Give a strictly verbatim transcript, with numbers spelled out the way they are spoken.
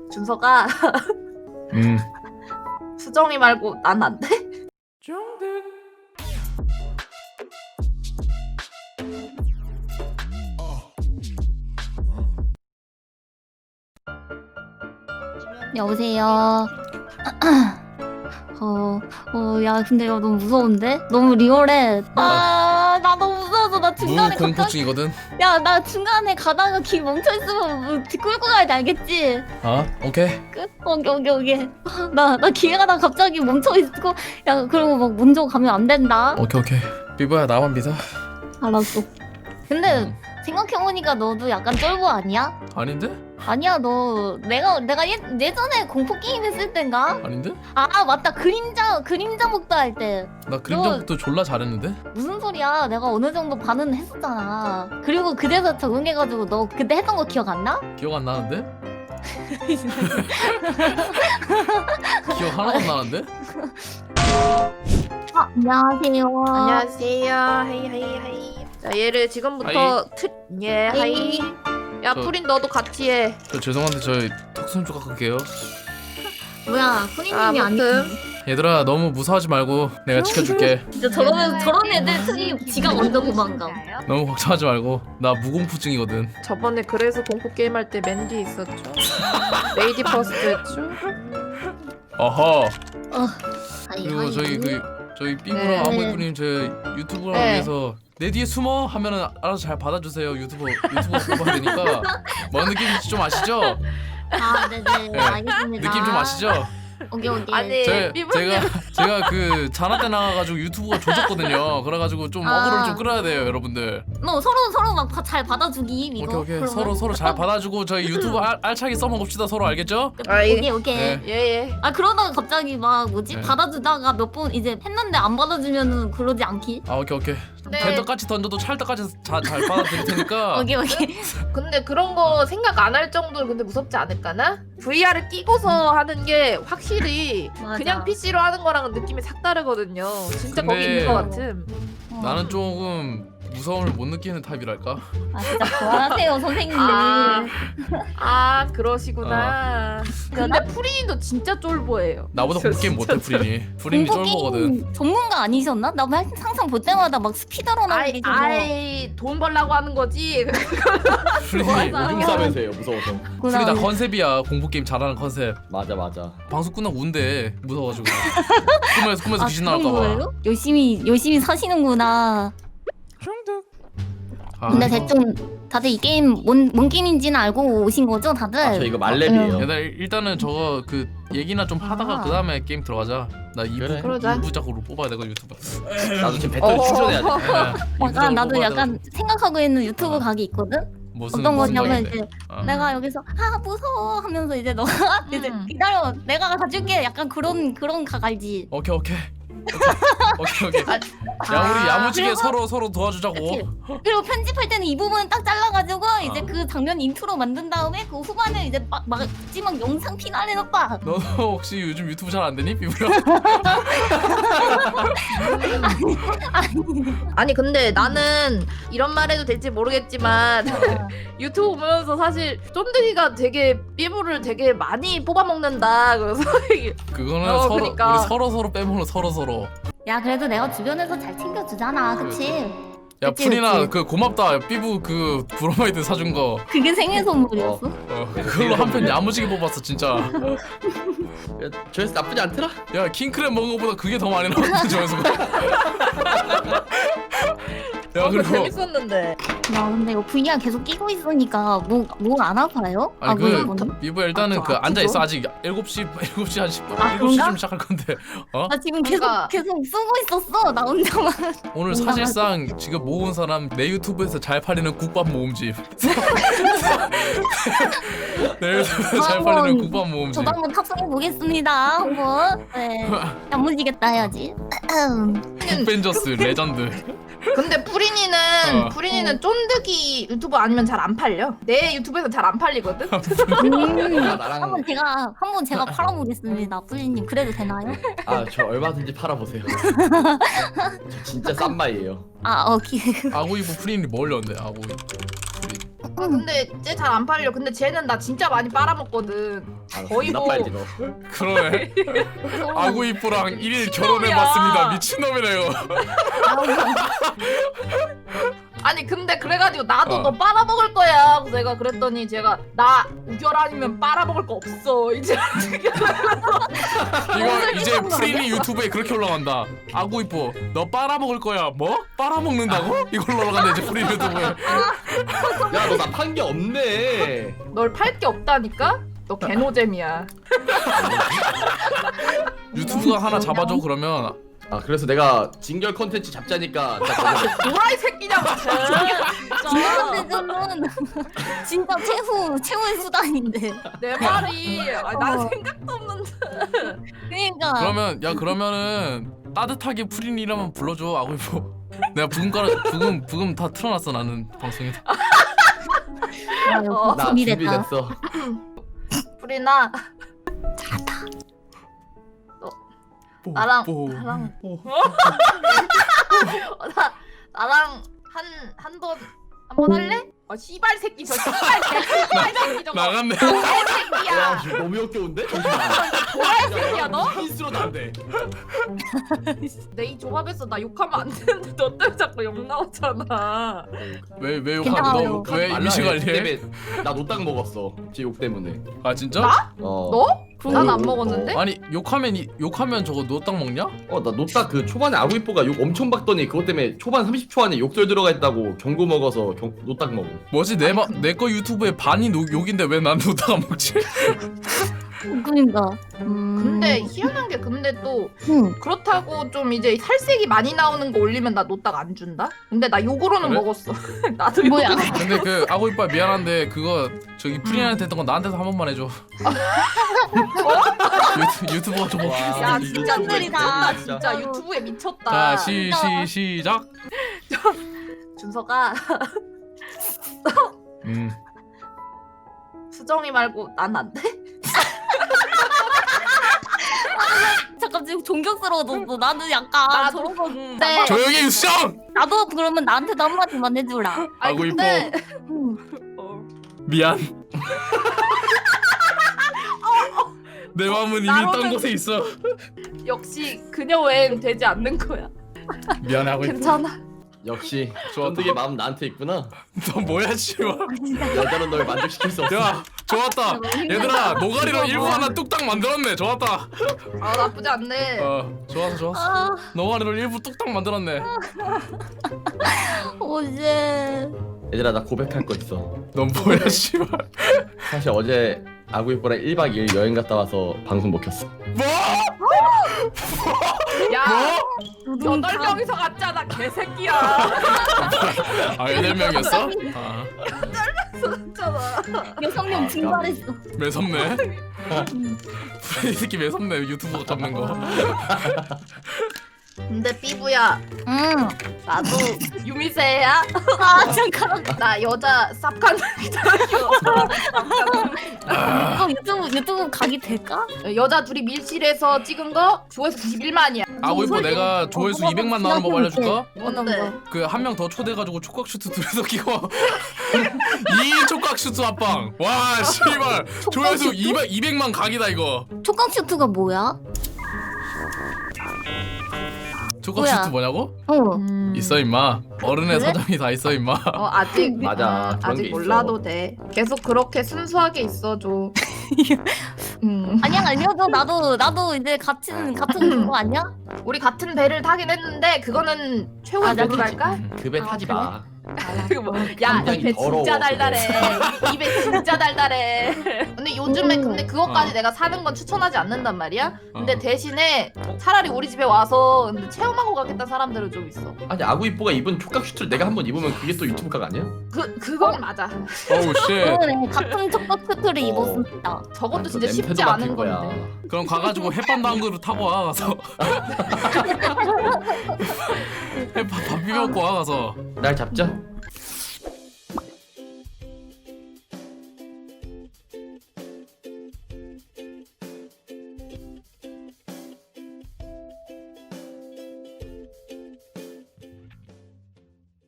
준서가 음. 수정이 말고 난 안 돼? 여보세요. 어, 어, 야, 근데 이거 너무 무서운데? 너무 리얼해. 아, 나 너무 무서워서 나 중간에 갑자기, 무공포증이거든. 야, 나 중간에 가다가 길 멈춰 있으면 뭐 끌고 가야 돼, 알겠지? 아, 오케이. 끝? 오케이, 오케이, 오케이. 나, 나 길 가다가 갑자기 멈춰 있고, 야, 그리고 막 먼저 가면 안 된다. 오케이, 오케이. 삐부야, 나만 믿어. 알았어. 근데 음. 생각해보니까 너도 약간 쫄보 아니야? 아닌데? 아니야, 너 내가 내가 예, 예전에 공포 게임 했을 땐가? 아닌데? 아 맞다, 그림자 그림자 목도 할 때. 나 그림자부터 졸라 잘했는데? 무슨 소리야? 내가 어느 정도 반은 했었잖아. 그리고 그래서 적응해가지고 너 그때 했던 거 기억 안 나? 기억 안 나는데? 기억 하나도 안 나는데? 아, 안녕하세요. 안녕하세요. 헤이 헤이 헤이. 자 얘를 지금부터 트... 예 하이. 야 저- 프린 너도 같이 해. 저 죄송한데 저 턱선 좀 깎을게요. 뭐야, 프리님이 아무튼. 아니지. 얘들아 너무 무서워하지 말고 내가 지켜줄게. 진짜 저런 저런 애들 특히 지가 먼저 도망가. 너무 걱정하지 말고 나 무공포증이거든. 저번에 그래서 공포 게임 할 때 맨 뒤에 있었죠. 레이디 퍼스트였죠. 어허. 아이, 그리고 아이, 저희 그 저희 삐부랑 네. 아모이프님 저 유튜브를 네. 위해서 내 뒤에 숨어 하면은 알아서 잘 받아주세요. 유튜버 유튜버 뽑아야 되니까 뭔 느낌인지 좀 아시죠? 아, 네네, 네. 알겠습니다. 느낌 좀 아시죠? 오케이, 오케이. 아니 제, 삐부님. 제가 제가 그 자나 때 나가가지고 유튜브가 조졌거든요. 그래가지고 좀 아. 어그로를 좀 끌어야 돼요, 여러분들. 너 서로 서로 막 잘 받아주기 이거. 오케이 오케이 그러면? 서로 서로 잘 받아주고 저희 유튜브 알, 알차게 써먹읍시다. 서로 알겠죠? 아이. 오케이 오케이. 네. 예예. 아 그러다가 갑자기 막 뭐지 네. 받아주다가 몇 번 이제 했는데 안 받아주면은 그러지 않기? 아 오케이 오케이. 네. 대떡같이 던져도 찰떡같이 자, 잘 받아드릴 테니까. 오케이 오케이. 근데 그런 거 생각 안 할 정도로 근데 무섭지 않을까나? 브이알을 끼고서 하는 게 확실히 맞아. 그냥 피씨로 하는 거랑은 느낌이 싹 다르거든요. 진짜 거기 근데- 있는 것 같음. 어. 나는 조금 무서움을 못 느끼는 타입이랄까. 아 진짜 그만하세요 선생님들. 아, 아 그러시구나. 근데 프린도 진짜 쫄보예요. 나보다 공포 게임 못해 프린이. 프린이 공포 쫄보거든. 게임 전문가 아니셨나? 나 맨- 항상 볼 때마다 막 스피드런 하는 아이, 게 아이 돈 벌라고 하는 거지. 프린이 맞아. 오줌 싸면서요 무서워서. 프린이 다 컨셉이야. 공포 게임 잘하는 컨셉. 맞아 맞아. 방송 끝나고 운대 무서워가지고. 꿈에서 꿈에서 귀신 아, 그런 나올까봐. 거예요? 열심히 열심히 사시는구나. 아, 근데 이거- 대충 다들 이 게임 뭔, 뭔 게임인지는 알고 오신 거죠 다들? 아, 저 이거 말렙이에요. 얘들 일단은 저거 그 얘기나 좀 하다가 아. 그 다음에 게임 들어가자. 나 이 부 그래. 그러자. 이부작으로 뽑아야 되고 유튜브. 나도 지금 배터리 어. 충전해야 돼. 네, 약간 이부작으로 나도 뽑아야 약간 되고. 생각하고 있는 유튜브 어. 각이 있거든? 무슨 어떤 무슨 거냐면 각인데? 이제 어. 내가 여기서 아 무서워 하면서 이제 너가 이제 음. 기다려 내가 가줄게 약간 그런 그런 각 알지? 오케이 오케이. 오케이 오케이. 아, 야 우리 야무지게 그리고- 서로 서로 도와주자고. 그치? 그리고 편집할 때는 이 부분은 딱 잘라가지고 이제 어. 그 장면 인트로 만든 다음에 그 후반에 이제 막, 막 마지막 영상 피날레 넣다. 너도 혹시 요즘 유튜브 잘 안 되니 비브야? 아니 근데 나는 이런 말 해도 될지 모르겠지만 유튜브 보면서 사실 쫀득이가 되게 삐부를 되게 많이 뽑아먹는다. 그래서 그거는 어, 서로 그러니까. 우리 서로 서로 빼먹는 서로 서로. 야 그래도 내가 주변에서 잘 챙겨주잖아, 그치? 야 그치, 프리나 그치. 그 고맙다. 삐부 그 브로마이드 사준 거. 그게 생일 선물이었어? 어, 그걸로 한 편 야무지게 뽑았어 진짜. 조회수 나쁘지 않더라. 야 킹크랩 먹은 거보다 그게 더 많이 나왔는데 저에서. 야 어, 그거 그리고 재밌었는데. 야 근데 이거 브이알 계속 끼고 있으니까 목 안 아파요? 아니 아, 그 비브 일단은 아, 그 저 앉아 있어 아프죠? 아직 일곱 시 일곱 시 한 십 분 아, 일곱 시쯤 그런가? 시작할 건데. 어? 나 지금 계속 그러니까. 계속 쓰고 있었어 나 혼자만. 오늘 뭔가 사실상 지금 모은 사람 내 유튜브에서 잘 팔리는 국밥 모음집. 내 유튜브에서 잘 팔리는 한번 국밥 모음집. 저도 한번 탑승해 보겠습니다. 한번. 네. 야무지겠다 해야지. 벤저스 레전드. 근데 프린이는 어. 프린이는 쫀득 쫀득이 유튜브 아니면 잘 안 팔려. 내 유튜브에서 잘 안 팔리거든. 음. 아, 나랑 한번 제가 한번 제가 팔아보겠습니다. 뿌리님 그래도 되나요? 아 저 얼마든지 팔아보세요. 저 진짜 싼 마이에요. 아 오케이. 아구이브 프린이 뭘 렸는데 아구이브 프린. 아, 근데 쟤 잘 안 팔려. 근데 쟤는 나 진짜 많이 빨아먹거든. 아, 거의 나 뭐- 빨지 너. 그러네. 아구이브랑 일일 미친놈이야. 결혼해봤습니다. 미친놈이네요. 아니 근데 그래가지고 나도 어. 너 빨아먹을 거야. 그래서 내가 그랬더니 제가 나 우결 아니면 빨아먹을 거 없어. 이제 이거 이제 프린이 유튜브에 그렇게 올라간다. 아구이브 너 빨아먹을 거야. 뭐? 빨아먹는다고? 이걸로 올라간다 이제 프린 유튜브에. 야 너 나 판 게 없네. 널 팔 게 없다니까? 너 개노잼이야. 유튜브가 하나 잡아줘 그러면. 아 그래서 내가 진결 컨텐츠 잡자니까 자, 도라이 새끼냐고 쟤. 진짜는 진짜 최후 최후의 수단인데. 내 말이 아니, 난 어. 생각도 없는데. 그러니까. 그러면 야 그러면은 따뜻하게 프린이라면 불러줘 아구이브. 내가 부금 깔아 부금 부금 다 틀어놨어 나는 방송에. 아, 어. 역시 나 준비됐다. 준비됐어. 프리나 뽀, 나랑 뽀, 나랑 뽀. 어, 나 나랑 한 한 번 한 번 할래? 어 씨발 새끼 저 씨발 새끼 씨발 새끼 저거. 나갔네. 도라이 와 새끼야. 지금 너무 역겨운데? 잠시만. 도라이 새끼야 너? 흰수로 안 돼. 내 이 조합에서 나 욕하면 안 되는데 너 때문에 자꾸 욕 나오잖아. 왜왜 욕하 괜찮아요. 너왜 말라, 이미지 얘 관리해? 때문에 나 노딱 먹었어. 제 욕 때문에. 아 진짜? 나? 어. 너? 난 안 어, 먹었는데? 아니 욕하면 이- 욕하면 저거 노딱 먹냐? 어, 나 노딱 그 초반에 아구이뽀가 욕 엄청 받더니 그것 때문에 초반 삼십 초 안에 욕설 들어가 있다고 경고 먹어서 경, 노딱 먹어. 뭐지 내 거 유튜브에 반이 노, 욕인데 왜 난 노딱 안 먹지? 그러니까. 음. 근데 희한한 게 근데 또 음. 그렇다고 좀 이제 살색이 많이 나오는 거 올리면 나 노딱 안 준다? 근데 나 욕으로는 그래? 먹었어. 나도 뭐야? 욕으로- 근데 그 아구이빠 미안한데 그거 저기 프린한테 했던 거 나한테도 한 번만 해줘. 유튜, 유튜버가 저거. 와, 야 이 진짜 유튜브에 미쳤다. 진짜. 진짜 유튜브에 미쳤다. 자, 시, 시, 시작. 준서가 음. 수정이 말고 난 안 돼? 잠깐 지금 존경스러워. 너, 너 나도 약간 나도- 저런 거. 네. 조용히 해, 유수정! 나도 그러면 나한테도 한마디만 해주라. 아니, 아구 근데 음. 어, 미안. 내 마음은 이미 딴 나로는- 곳에 있어. 역시 그녀 외엔 되지 않는 거야. 미안해, 아구이빠. 괜찮아. 역시 좋았다. 쫀득의 마음 나한테 있구나. 너 뭐야, 씨발. 여자는 널 만족시킬 수 없어. 야, 좋았다. 얘들아, 노가리로 일부 하나 뚝딱 만들었네. 좋았다. 아 나쁘지 않네. 어, 좋았어, 좋았어. 아, 노가리로 일부 뚝딱 만들었네. 어제. 얘들아 나 고백할 거 있어. 넌 뭐야, 씨발. 사실 어제 아구이뽀랑 일박 이일 여행 갔다 와서 방송 못 켰어. 뭐? 야 뭐? 여덟 명이서 갔잖아 개새끼야. 아, 여덟 명이었어? 아, 갔잖아. 여섯 명 아, 증발했어. 매섭네. 이 새끼 매섭네, 유튜브 잡는 거. 근데 삐부야 응. 나도 유미세야. 아 잠깐. 나 여자 쌉간 기다려. 어, 유튜브 유튜브 각이 될까? 여자 둘이 밀실에서 찍은 거 조회수 구십일만이야. 아구이뽀 내가 조회수 어, 이백만 나오는 법 알려줄까? 뭔데? 그 한 명 더 초대해가지고 촉각 슈트 둘이서 끼고 이 인 촉각 슈트 합방. 와 씨발 조회수 슈트? 이백 이백만 각이다 이거. 촉각 슈트가 뭐야? 촉각 뭐야? 슈트 뭐냐고? 어. 음... 있어 임마. 어른의 그래? 사정이 다 있어 임마. 어 아직 맞아, 아, 그런 아직 게 있어. 몰라도 돼. 계속 그렇게 순수하게 있어줘. 음. 아니야 알려줘. 나도 나도 이제 같은 같은 그거 아니야? 우리 같은 배를 타긴 했는데 그거는 최후의 아, 나도 배랄까? 그 배 아, 타지 그래? 마. 뭐, 야, 굉장히 이 배 더러워, 진짜 그거. 달달해. 이 배 진짜 달달해. 근데 요즘에 음. 근데 그것까지 어. 내가 사는 건 추천하지 않는단 말이야. 근데 어. 대신에 차라리 우리 집에 와서 근데 체험하고 가겠다는 사람들은 좀 있어. 아니 아구이뽀가 입은 촉각 슈트를 내가 한번 입으면 그게 또 유튜브 각 아니야? 그 그건 맞아. 어우 씨. 그래 같은 촉각 슈트를 어. 입었습니다. 저것도 그 진짜 쉽지 냄새도 맡을 않은 거야. 건데. 그럼 가가지고 햇반 담은 그릇 타고 와 가서. 햇반 밥 비벼 먹고 와 가서. 날 잡자.